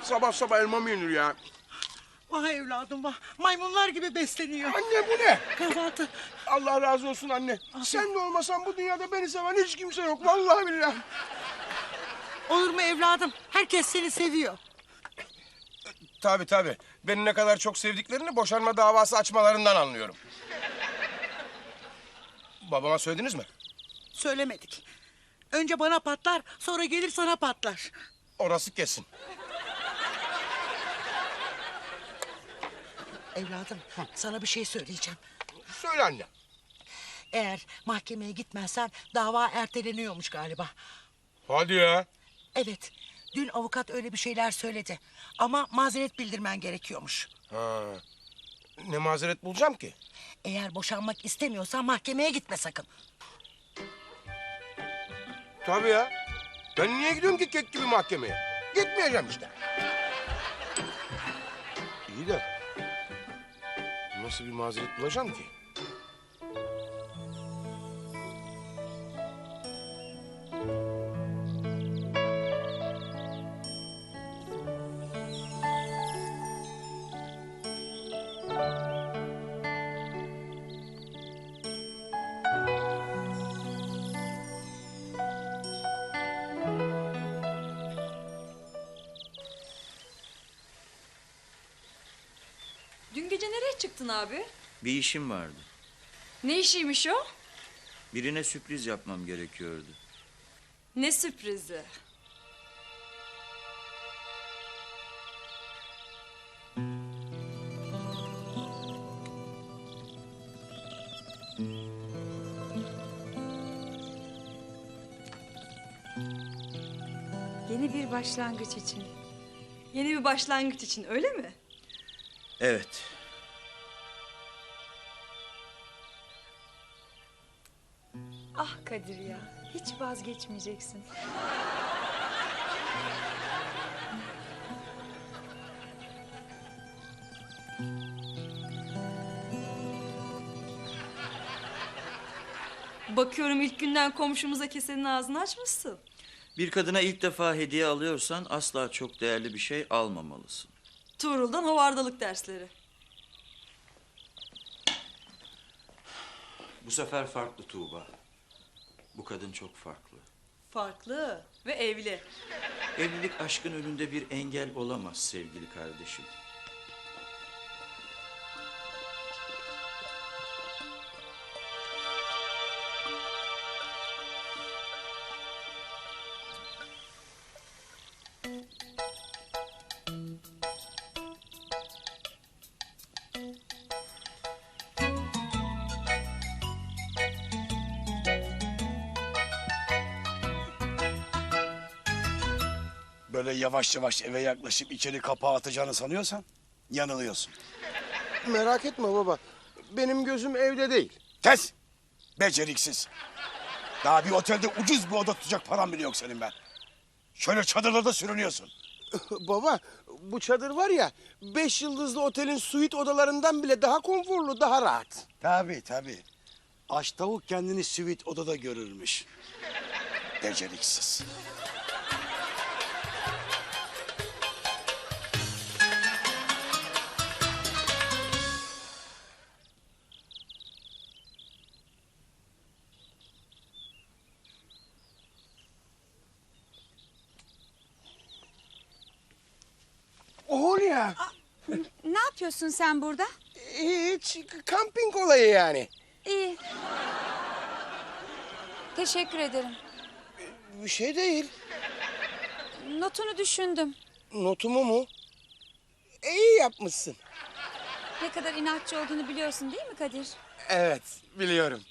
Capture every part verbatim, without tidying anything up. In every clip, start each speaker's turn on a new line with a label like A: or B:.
A: Sabah sabah elma mı yenir ya?
B: Vah evladım vah. Maymunlar gibi besleniyor.
A: Anne bu ne?
B: Kahvaltı.
A: Allah razı olsun anne. Sen de olmasan bu dünyada beni seven hiç kimse yok. Vallahi billahi.
B: Olur mu evladım? Herkes seni seviyor.
A: Tabii tabii. Beni ne kadar çok sevdiklerini boşanma davası açmalarından anlıyorum. Babama söylediniz mi?
B: Söylemedik. Önce bana patlar, sonra gelir sana patlar.
A: Orası kesin.
B: Evladım, sana bir şey söyleyeceğim.
A: Söyle anne.
B: Eğer mahkemeye gitmezsen dava erteleniyormuş galiba.
A: Hadi ya.
B: Evet, dün avukat öyle bir şeyler söyledi. Ama mazeret bildirmen gerekiyormuş.
A: Ha. Ne mazeret bulacağım ki?
B: Eğer boşanmak istemiyorsan mahkemeye gitme sakın.
A: Tabii ya. Ben niye gidiyorum ki kek gibi mahkemeye? Gitmeyeceğim işte. İyi de nasıl bir mazeret bulacağım ki?
C: Dün gece nereye çıktın abi?
D: Bir işim vardı.
C: Ne işiymiş o?
D: Birine sürpriz yapmam gerekiyordu.
C: Ne sürprizi? Yeni bir başlangıç için. Yeni bir başlangıç için, öyle mi?
D: Evet.
C: Ah Kadir ya, hiç vazgeçmeyeceksin. Bakıyorum ilk günden komşumuza kesenin ağzını açmışsın.
D: Bir kadına ilk defa hediye alıyorsan asla çok değerli bir şey almamalısın.
C: Tuğrul'dan havardalık dersleri.
D: Bu sefer farklı Tuğba. Bu kadın çok farklı.
C: Farklı ve evli.
D: Evlilik aşkın önünde bir engel olamaz sevgili kardeşim.
E: Böyle yavaş yavaş eve yaklaşıp içeri kapağı atacağını sanıyorsan yanılıyorsun.
A: Merak etme baba. Benim gözüm evde değil.
E: Kes! Beceriksiz. Daha bir otelde ucuz bir oda tutacak param bile yok senin be. Şöyle çadırlarda sürünüyorsun.
A: Baba, bu çadır var ya, beş yıldızlı otelin suite odalarından bile daha konforlu, daha rahat.
E: Tabii tabii. Aç tavuk kendini suite odada görürmüş. Beceriksiz.
A: Hulya,
F: Ne yapıyorsun sen burada?
A: hiç kamping olayı yani.
F: İyi. Teşekkür ederim.
A: Bir şey değil.
F: Notunu düşündüm.
A: Notumu mu? İyi yapmışsın.
F: Ne kadar inatçı olduğunu biliyorsun değil mi Kadir?
A: Evet, biliyorum.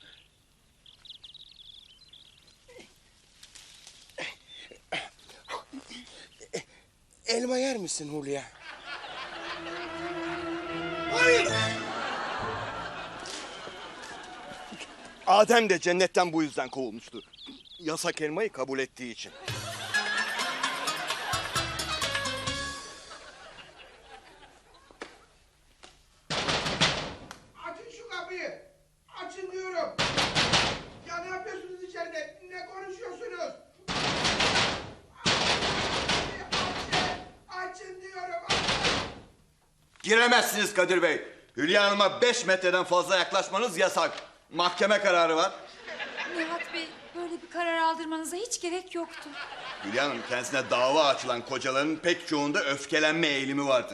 A: Elma yer misin Hulya? Hayır!
G: Adem de cennetten bu yüzden kovulmuştu. Yasak elmayı kabul ettiği için.
A: Açın şu kapıyı! Açın diyorum! Ya ne yapıyorsunuz içeride? Ne konuşuyorsunuz? Açın! Açın diyorum!
G: Giremezsiniz Kadir Bey. Hülya Hanım'a beş metreden fazla yaklaşmanız yasak. Mahkeme kararı var.
F: Nihat Bey, böyle bir karar aldırmanıza hiç gerek yoktu.
G: Hülya Hanım, kendisine dava açılan kocaların pek çoğunda öfkelenme eğilimi vardır.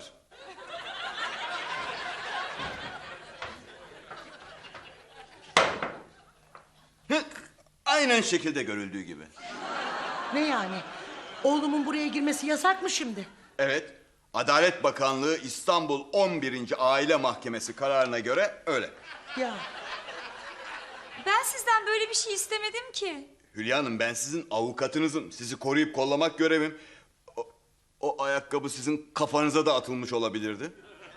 G: Hı, aynen şekilde görüldüğü gibi.
B: Ne yani? Oğlumun buraya girmesi yasak mı şimdi?
G: Evet, Adalet Bakanlığı İstanbul on birinci Aile Mahkemesi kararına göre öyle.
B: Ya
F: Ben sizden böyle bir şey istemedim ki.
G: Hülya Hanım, ben sizin avukatınızım. Sizi koruyup kollamak görevim. O, o ayakkabı sizin kafanıza da atılmış olabilirdi.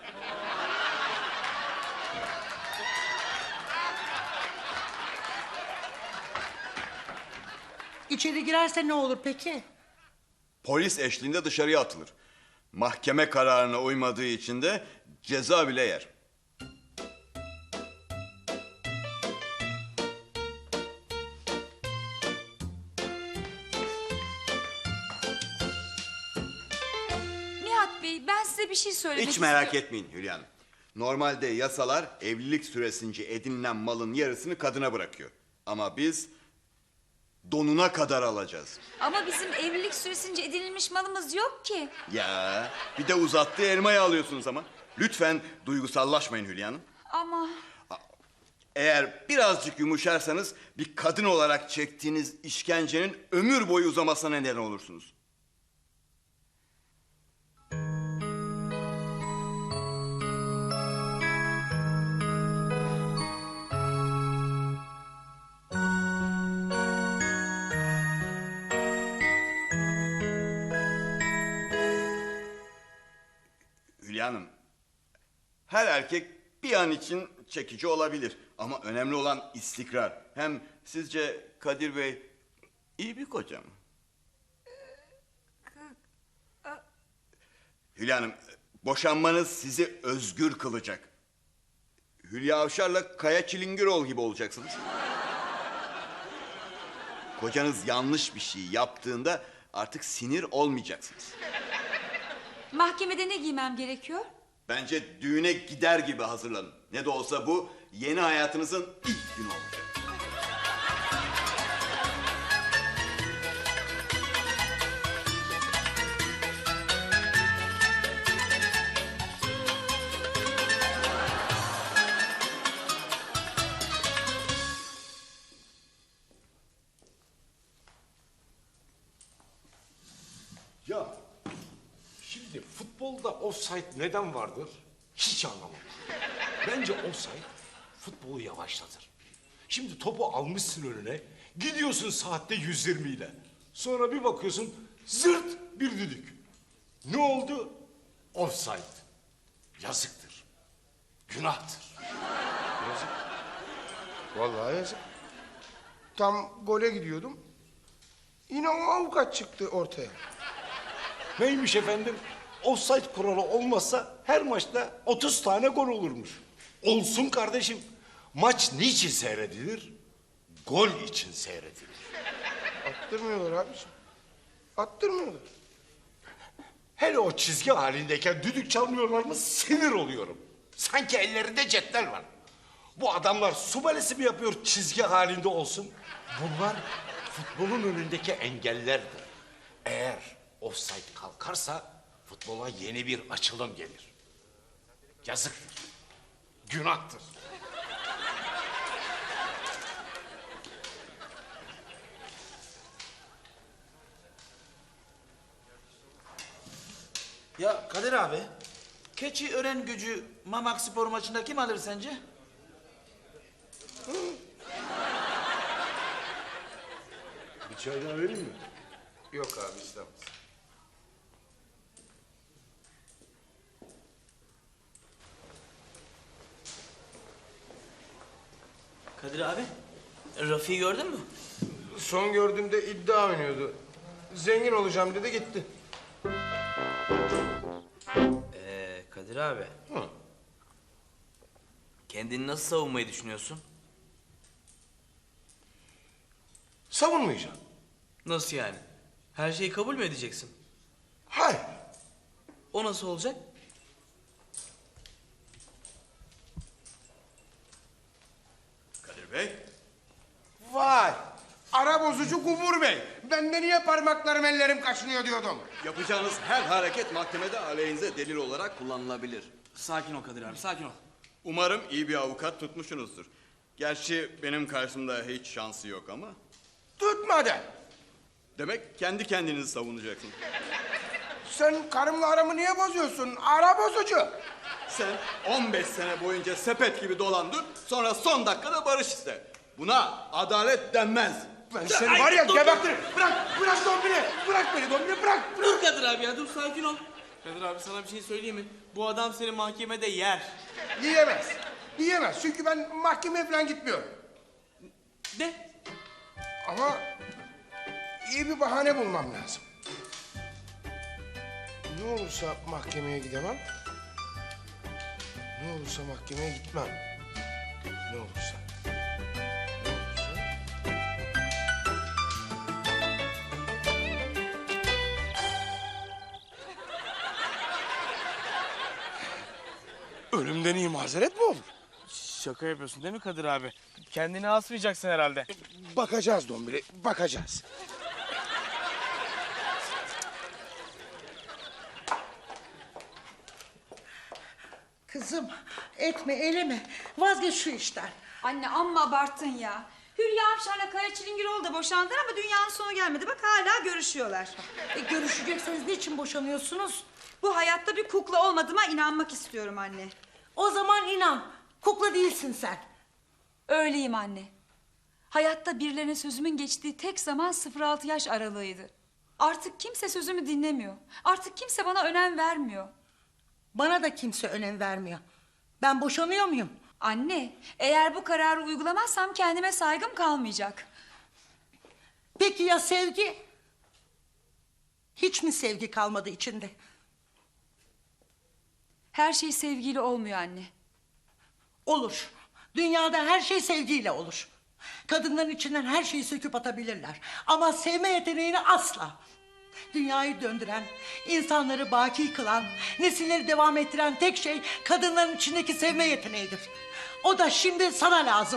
B: içeri girerse ne olur peki?
G: Polis eşliğinde dışarıya atılır. Mahkeme kararına uymadığı için de ceza bile yer.
F: Nihat Bey, ben size bir şey söylemek
G: Hiç merak
F: istiyorum.
G: etmeyin Hülya Hanım. Normalde yasalar evlilik süresince edinilen malın yarısını kadına bırakıyor. Ama biz donuna kadar alacağız.
F: Ama bizim evlilik süresince edinilmiş malımız yok ki.
G: Ya bir de uzattığı elmayı alıyorsunuz ama. Lütfen duygusallaşmayın Hülya Hanım.
F: Ama
G: Eğer birazcık yumuşarsanız bir kadın olarak çektiğiniz işkencenin ömür boyu uzamasına neden olursunuz. Hülya Hanım, her erkek bir an için çekici olabilir. Ama önemli olan istikrar. Hem sizce Kadir Bey iyi bir koca mı? Hülya Hanım, boşanmanız sizi özgür kılacak. Hülya Avşar'la Kaya Çilingirol gibi olacaksınız. Kocanız yanlış bir şey yaptığında artık sinir olmayacaksınız.
F: mahkemede ne giymem gerekiyor?
G: Bence düğüne gider gibi hazırlanın. Ne de olsa bu yeni hayatınızın ilk günü olacak.
H: Ya şimdi futbolda offside neden vardır? Hiç anlamam. Bence offside futbolu yavaşlatır. Şimdi topu almışsın önüne, gidiyorsun saatte yüz yirmi ile. Sonra bir bakıyorsun zırt bir düdük. Ne oldu? Offside. Yazıktır. Günahtır.
A: Yazık. Vallahi yazık. Tam gole gidiyordum. Yine o avukat çıktı ortaya.
H: Neymiş efendim? Offside kuralı olmazsa her maçta otuz tane gol olurmuş. Olsun kardeşim. Maç niçin seyredilir? Gol için seyredilir.
A: Attırmıyorlar abiciğim. Attırmıyorlar.
H: Hele o çizgi halindeyken düdük çalmıyorlar mı sinir oluyorum. Sanki ellerinde cetvel var. Bu adamlar su balesi mi yapıyor çizgi halinde olsun? Bunlar futbolun önündeki engellerdir. Eğer offside kalkarsa futbola yeni bir açılım gelir. Yazıktır. Günahtır.
I: Ya Kadir abi, keçi ören gücü Mamak Spor maçında kim alır sence?
H: Bir çay daha vereyim mi?
A: Yok abi istemez.
I: Kadir abi, Rafi'yi gördün mü?
A: Son gördüğümde iddia oynuyordu. Zengin olacağım dedi gitti.
I: Ee, Kadir abi.
H: Hı.
I: Kendini nasıl savunmayı düşünüyorsun?
A: Savunmayacağım.
I: Nasıl yani? Her şeyi kabul mü edeceksin?
A: Hayır.
I: O nasıl olacak?
G: Bey.
A: Vay! Ara bozucu Gumur Bey. Ben de niye parmaklarım ellerim kaşınıyor diyordum.
G: Yapacağınız her hareket mahkemede aleyhinize delil olarak kullanılabilir.
I: Sakin ol Kadir abi, sakin ol.
G: Umarım iyi bir avukat tutmuşsunuzdur. Gerçi benim karşımda hiç şansı yok ama.
A: Tutmadı.
G: Demek kendi kendinizi savunacaksın.
A: Sen karımla aramı niye bozuyorsun? Ara bozucu.
G: Sen on beş sene boyunca sepet gibi dolandır, sonra son dakikada barış iste. Buna adalet denmez.
A: Ben seni var ya gebertirim. Bırak, bırak Dombili. Bırak beni Dombili, bırak.
I: Dur Kadir abi ya, dur sakin ol. Kadir abi sana bir şey söyleyeyim mi? Bu adam seni mahkemede yer.
A: Yiyemez. Yiyemez çünkü ben mahkemeye falan gitmiyorum.
I: De.
A: Ama iyi bir bahane bulmam lazım. Ne olursa mahkemeye gidemem. Ne olursa mahkemeye gitmem. Ne olursa. Ne olursa. Ölümden iyi mazeret mi olur?
I: Şaka yapıyorsun değil mi Kadir abi? Kendini asmayacaksın herhalde.
A: Bakacağız Dombili, bakacağız.
B: Kızım etme eyleme. Vazgeç şu işten.
C: Anne amma abarttın ya. Hülya Avşar'la Kaya Çilingiroğlu da boşandılar ama dünyanın sonu gelmedi. Bak hala görüşüyorlar.
B: E, görüşecekseniz niçin boşanıyorsunuz?
C: Bu hayatta bir kukla olmadığıma inanmak istiyorum anne.
B: O zaman inan. Kukla değilsin sen.
F: Öyleyim anne. Hayatta birilerine sözümün geçtiği tek zaman sıfır altı yaş aralığıydı. Artık kimse sözümü dinlemiyor. Artık kimse bana önem vermiyor.
B: Bana da kimse önem vermiyor. Ben boşanıyor muyum?
F: Anne, eğer bu kararı uygulamazsam kendime saygım kalmayacak.
B: Peki ya sevgi? Hiç mi sevgi kalmadı içinde?
F: Her şey sevgiyle olmuyor anne.
B: Olur. Dünyada her şey sevgiyle olur. Kadınların içinden her şeyi söküp atabilirler. Ama sevme yeteneğini asla. Dünyayı döndüren, insanları baki kılan, nesilleri devam ettiren tek şey kadınların içindeki sevme yeteneğidir. O da şimdi sana lazım.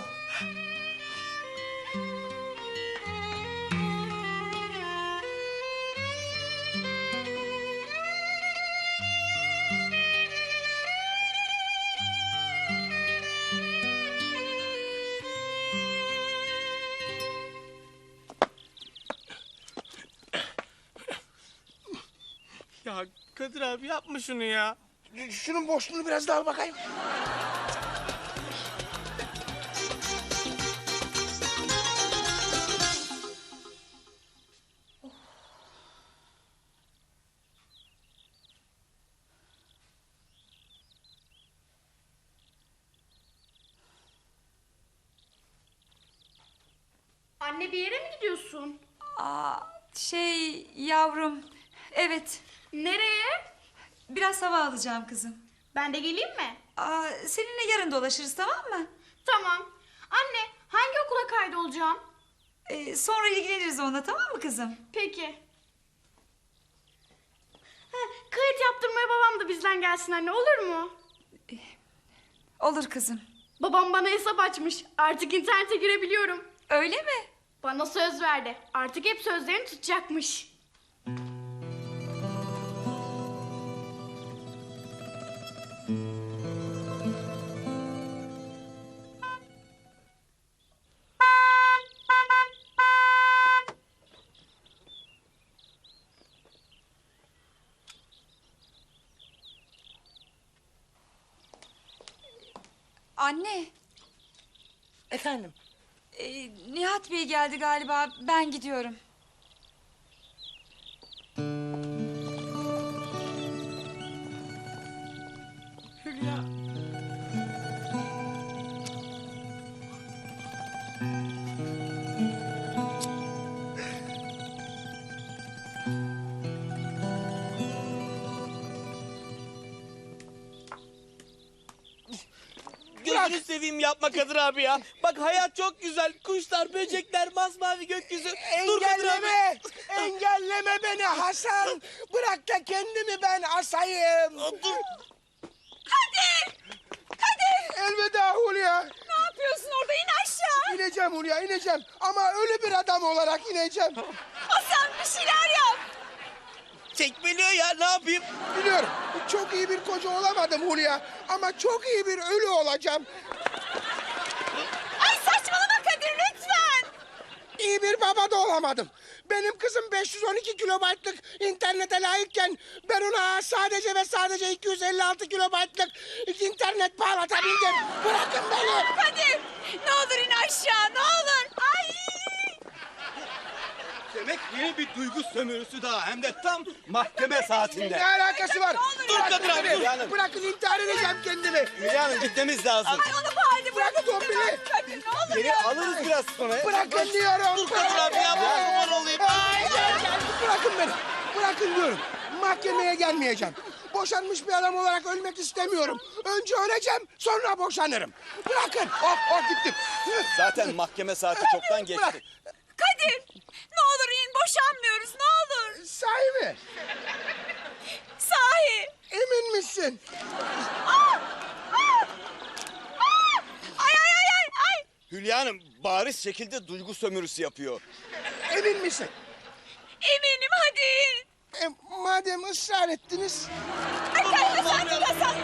I: Ya Kadir abi yapma şunu ya.
A: Şunun boşluğunu biraz daha al bakayım.
J: Anne bir yere mi gidiyorsun?
F: Aa, şey yavrum, evet.
J: Nereye?
F: Biraz hava alacağım kızım.
J: Ben de geleyim mi?
F: Aa, seninle yarın dolaşırız, tamam mı?
J: Tamam. Anne hangi okula kaydolacağım?
F: Ee, sonra ilgileniriz onunla, tamam mı kızım?
J: Peki. Ha, kayıt yaptırmaya babam da bizden gelsin anne, olur mu?
F: Olur kızım.
J: Babam bana hesap açmış. Artık internete girebiliyorum.
F: Öyle mi?
J: Bana söz verdi. Artık hep sözlerini tutacakmış.
F: Anne,
B: Efendim?
F: e, Nihat Bey geldi galiba, ben gidiyorum.
B: Hülya.
I: Gözünü seveyim yapma Kadir abi ya. Bak hayat çok güzel. Kuşlar, böcekler, masmavi gökyüzü. Dur Kadir abi.
A: Engelleme! Engelleme beni Hasan! Bırak da kendimi ben asayım!
I: Dur.
A: Elveda Hulya!
F: Ne yapıyorsun?
C: yapıyorsun orada? İn aşağı.
A: İneceğim Hulya, ineceğim. Ama ölü bir adam olarak ineceğim.
C: Hasan bir şeyler yap.
I: Çekmeliyor ya, ne yapayım?
A: Biliyorum, çok iyi bir koca olamadım Hulya. Ama çok iyi bir ölü olacağım.
C: Ay saçmalama Kadir lütfen.
A: İyi bir baba da olamadım. Benim kızım beş yüz on iki kilobaytlık internete layıkken... ...ben ona sadece ve sadece iki yüz elli altı kilobaytlık internet bağlatabildim. Bırakın beni.
C: Kadir ne olur in aşağı ne olur. Ay.
G: Demek yeni bir duygu sömürüsü daha hem de tam mahkeme saatinde.
A: Ne alakası var?
I: Dur Kadir abi, dur.
A: Bırakın, bırakın intihar edeceğim kendimi.
G: Hülya Hanım gitmemiz lazım.
C: Ay onu bu halde
A: Bırak
C: bırakın.
A: Tombili.
C: Kadir ne olur
G: Geri
C: ya.
G: alırız biraz sonra.
A: Bırakın diyorum.
I: Dur Kadir abi ya, ben kurban olayım.
A: Ay, gel, gel. Bırakın beni. Bırakın diyorum. Mahkemeye gelmeyeceğim. Boşanmış bir adam olarak ölmek istemiyorum. Önce öleceğim, sonra boşanırım. Bırakın. Oh, oh gittim.
G: Zaten mahkeme saati çoktan geçti.
A: Bırak.
C: Kadir ne olur in boşanmıyoruz ne olur.
A: Sahi mi?
C: Sahi.
A: Emin misin?
C: Aa! Aa! Aa! Ay ay ay ay ay.
G: Hülya Hanım bariz şekilde duygu sömürüsü yapıyor.
A: Emin misin?
C: Eminim hadi.
A: E, madem ısrar ettiniz...
C: Ay sen de sen de sen.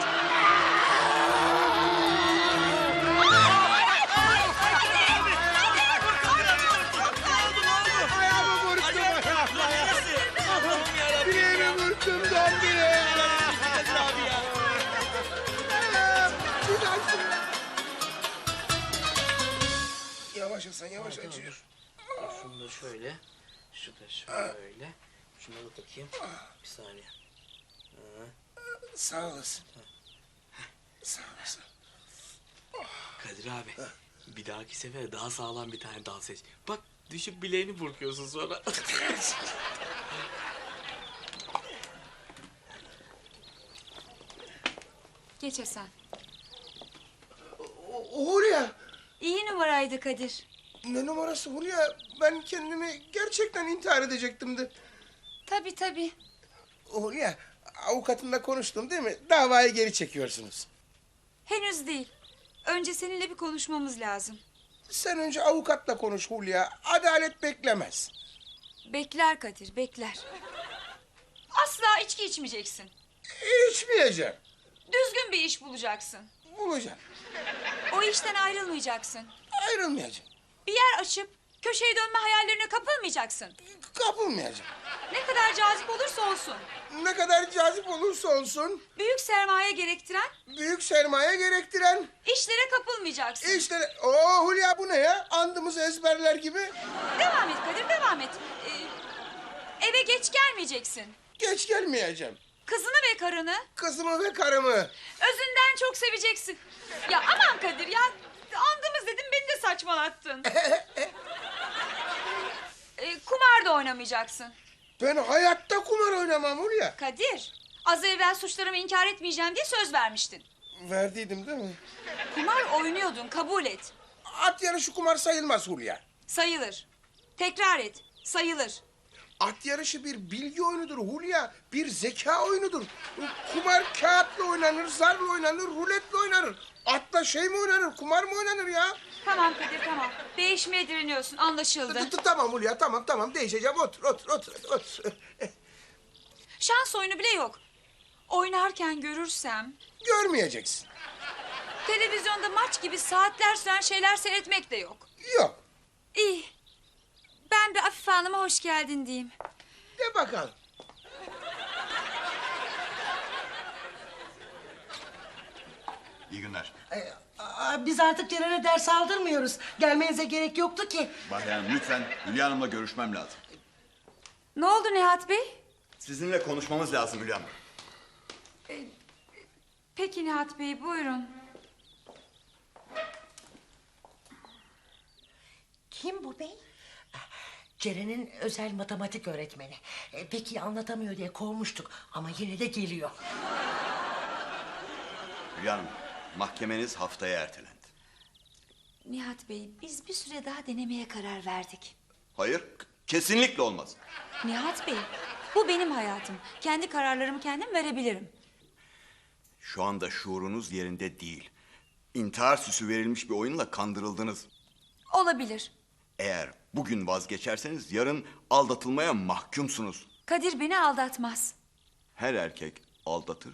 A: Ayağımı vurdum. Bileğimi vurdum Tombili.
I: Kadir abi ya.
A: Bir daha şöyle. Yavaş Hasan, yavaş acıyor.
I: Şunu da şöyle, şu da şöyle. Şuna da takayım. Bir saniye.
A: Sağ olasın. Sağ olasın.
I: Kadir abi, bir dahaki sefer daha sağlam bir tane dal seç. Bak düşüp bileğini burkuyorsun sonra.
F: Geç Hasan.
A: Hulya.
F: İyi numaraydı Kadir.
A: Ne numarası Hulya? Ben kendimi gerçekten intihar edecektim de.
F: Tabii tabii.
A: Hulya, avukatımla konuştum değil mi? Davayı geri çekiyorsunuz.
F: Henüz değil. Önce seninle bir konuşmamız lazım.
A: Sen önce avukatla konuş Hulya. Adalet beklemez.
F: Bekler Kadir, bekler. Asla içki içmeyeceksin.
A: İçmeyeceğim.
F: Düzgün bir iş bulacaksın.
A: Bulacağım.
F: O işten ayrılmayacaksın.
A: Ayrılmayacağım.
F: Bir yer açıp köşeye dönme hayallerine kapılmayacaksın.
A: Kapılmayacağım.
F: Ne kadar cazip olursa olsun.
A: Ne kadar cazip olursa olsun,
F: Büyük sermaye gerektiren
A: büyük sermaye gerektiren
F: işlere kapılmayacaksın.
A: işte... Oo Hulya bu ne ya? Andımızı ezberler gibi.
F: Devam et Kadir, devam et. Ee, eve geç gelmeyeceksin.
A: Geç gelmeyeceğim.
F: Kızını ve karını
A: Kızımı ve karımı.
F: özünden çok seveceksin. Ya aman Kadir ya. Andımız dedim beni de saçmalattın. ee, kumar da oynamayacaksın.
A: Ben hayatta kumar oynamam Hulya.
F: Kadir, az evvel suçlarımı inkar etmeyeceğim diye söz vermiştin.
A: Verdiydim değil mi?
F: Kumar oynuyordun, kabul et.
A: At yarışı kumar sayılmaz Hulya.
F: Sayılır. Tekrar et, sayılır.
A: At yarışı bir bilgi oyunudur Hulya. Bir zeka oyunudur. Kumar kağıtla oynanır, zarla oynanır, ruletle oynanır. Atla şey mi oynanır, kumar mı oynanır ya?
F: Tamam Kadir, tamam. Değişmeye direniyorsun, anlaşıldı.
A: T- t- Tamam Hulya, tamam tamam değişeceğim. Otur, otur, otur, otur.
F: Şans oyunu bile yok. Oynarken görürsem...
A: Görmeyeceksin.
F: Televizyonda maç gibi saatler süren şeyler seyretmek de yok.
A: Yok.
F: İyi. Ben bir Afife Hanım'a hoş geldin diyeyim.
A: De bakalım.
G: İyi günler.
B: Aa, biz artık Ceren'e ders aldırmıyoruz. Gelmenize gerek yoktu ki.
G: Bayan lütfen Hülya Hanım'la görüşmem lazım.
F: Ne oldu Nihat Bey?
G: Sizinle konuşmamız lazım Hülya Hanım.
F: Peki Nihat Bey, buyurun.
B: Kim bu bey? Ceren'in özel matematik öğretmeni. E, peki anlatamıyor diye kovmuştuk ama yine de geliyor.
G: Hülya Hanım, mahkemeniz haftaya ertelendi.
F: Nihat Bey, biz bir süre daha denemeye karar verdik.
G: Hayır, kesinlikle olmaz.
F: Nihat Bey, bu benim hayatım. Kendi kararlarımı kendim verebilirim.
G: Şu anda şuurunuz yerinde değil. intihar süsü verilmiş bir oyunla kandırıldınız.
F: Olabilir.
G: Eğer bugün vazgeçerseniz yarın aldatılmaya mahkumsunuz.
F: Kadir beni aldatmaz.
G: Her erkek aldatır.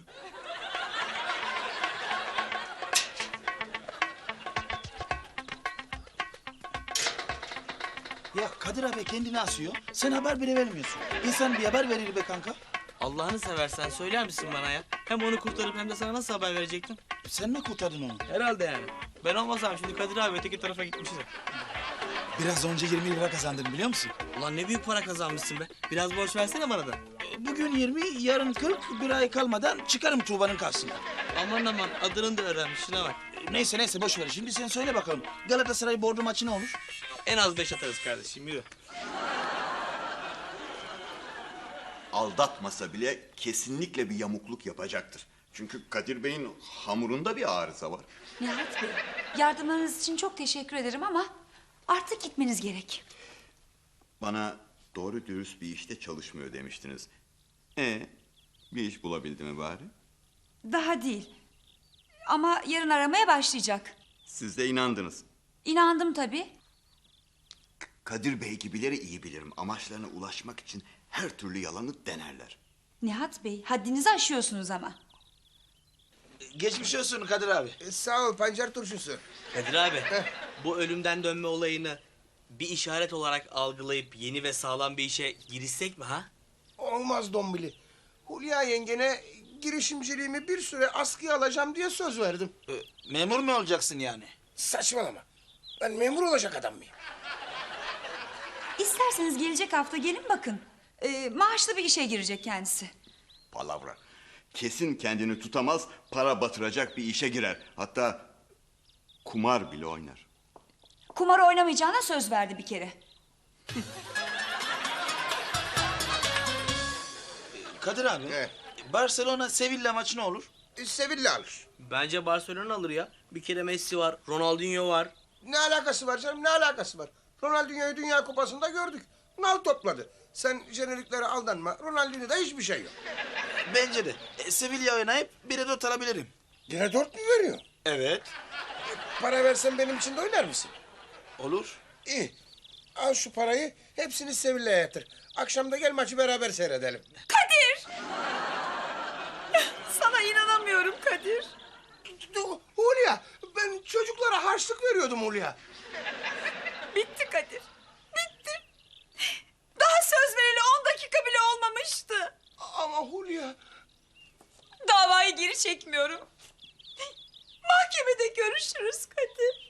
K: Ya Kadir abi kendini asıyor. Sen haber bile vermiyorsun. İnsan bir haber verir be kanka.
I: Allah'ını seversen söyler misin bana ya? Hem onu kurtarıp hem de sana nasıl haber verecektim?
K: Sen mi kurtardın onu?
I: Herhalde yani. Ben olmasam şimdi Kadir abi öteki tarafa gitmişiz.
K: Biraz önce yirmi lira kazandın biliyor musun?
I: Ulan ne büyük para kazanmışsın be. Biraz borç versene bana da.
K: Bugün yirmi, yarın kırk, bir ay kalmadan çıkarım Tuğba'nın karşısına.
I: Aman aman adını da öğrenmiş şuna bak.
K: Neyse neyse boş ver. Şimdi sen söyle bakalım. Galatasaray Bordo maçı ne olur?
I: En az beş atarız kardeşim yürü.
G: Aldatmasa bile kesinlikle bir yamukluk yapacaktır. Çünkü Kadir Bey'in hamurunda bir arıza var.
F: Nihat Bey, yardımlarınız için çok teşekkür ederim ama artık gitmeniz gerek.
G: Bana doğru dürüst bir işte çalışmıyor demiştiniz. E bir iş bulabildi mi bari?
F: Daha değil. Ama yarın aramaya başlayacak.
G: Siz de inandınız.
F: İnandım tabii.
G: Kadir Bey gibileri iyi bilirim. Amaçlarına ulaşmak için her türlü yalanı denerler.
F: Nihat Bey, haddinizi aşıyorsunuz ama.
K: Geçmiş olsun Kadir abi.
A: E, sağ ol pancar turşusu.
I: Kadir abi bu ölümden dönme olayını bir işaret olarak algılayıp yeni ve sağlam bir işe girişsek mi ha?
A: Olmaz Dombili. Hulya yengene girişimciliğimi bir süre askıya alacağım diye söz verdim.
K: Ee, memur mu olacaksın yani?
A: Saçmalama. Ben memur olacak adam mıyım?
F: İsterseniz gelecek hafta gelin bakın. Ee, maaşlı bir işe girecek kendisi.
G: Palavra. Kesin kendini tutamaz, para batıracak bir işe girer. Hatta kumar bile oynar.
F: Kumar oynamayacağına söz verdi bir kere.
K: Kadir abi.
A: Evet.
K: Barcelona Sevilla maçı ne olur?
A: E, Sevilla alır.
I: Bence Barcelona alır ya. Bir kere Messi var, Ronaldinho var.
A: Ne alakası var canım, ne alakası var? Ronaldinho'yu Dünya Kupası'nda gördük. Nal topladı. Sen jeneriklere aldanma. Ronaldinho'da hiçbir şey yok.
K: Bence de. E, Sevilla oynayıp bire dört alabilirim.
A: Yine dört mü veriyor?
K: Evet.
A: Para versen benim için de oynar mısın?
K: Olur.
A: İyi. Al şu parayı, hepsini Sevilla'ya yatır. Akşam da gel maçı beraber seyredelim.
F: Kadir! Sana inanamıyorum Kadir.
A: Hulya, ben çocuklara harçlık veriyordum Hulya.
F: Bitti Kadir. Bitti. Daha söz vereli on dakika bile olmamıştı.
A: Ama Hulya...
F: Davayı geri çekmiyorum. Mahkemede görüşürüz Kadir.